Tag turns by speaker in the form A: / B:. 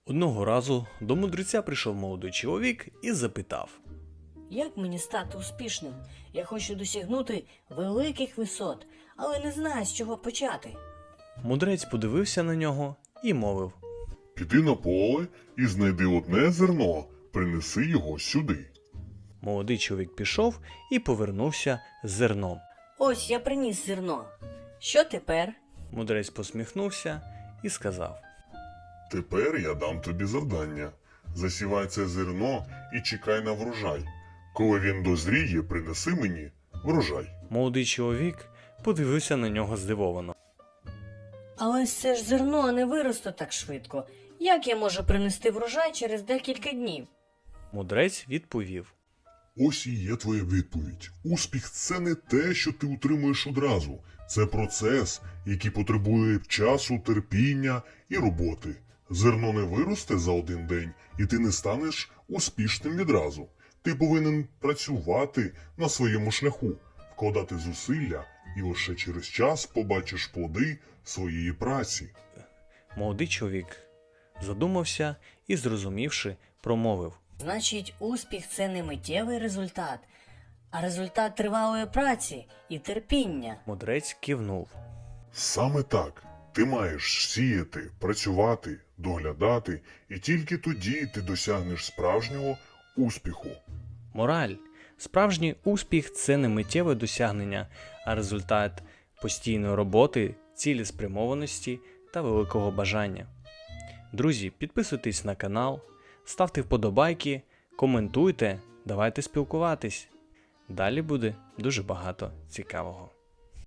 A: Одного разу до мудреця прийшов молодий чоловік і запитав:
B: Як мені стати успішним? Я хочу досягнути великих висот, але не знаю, з чого почати.
A: Мудрець подивився на нього і мовив:
C: Піди на поле і знайди одне зерно, принеси його сюди.
A: Молодий чоловік пішов і повернувся з зерном.
B: Ось я приніс зерно. Що тепер?
A: Мудрець посміхнувся і сказав:
C: Тепер я дам тобі завдання. Засівай це зерно і чекай на врожай. Коли він дозріє, принеси мені врожай.
A: Молодий чоловік подивився на нього здивовано.
B: Але це ж зерно не виросте так швидко. Як я можу принести врожай через декілька днів?
A: Мудрець відповів:
C: Ось і є твоя відповідь. Успіх – це не те, що ти утримуєш одразу. Це процес, який потребує часу, терпіння і роботи. Зерно не виросте за один день, і ти не станеш успішним відразу. Ти повинен працювати на своєму шляху, вкладати зусилля, і лише через час побачиш плоди своєї праці.
A: Молодий чоловік задумався і, зрозумівши, промовив:
B: Значить, успіх – це не миттєвий результат, а результат тривалої праці і терпіння.
A: Мудрець кивнув.
C: Саме так. Ти маєш сіяти, працювати, доглядати, і тільки тоді ти досягнеш справжнього успіху.
A: Мораль. Справжній успіх – це не миттєве досягнення, а результат постійної роботи, цілеспрямованості та великого бажання. Друзі, підписуйтесь на канал, ставте вподобайки, коментуйте, давайте спілкуватись. Далі буде дуже багато цікавого.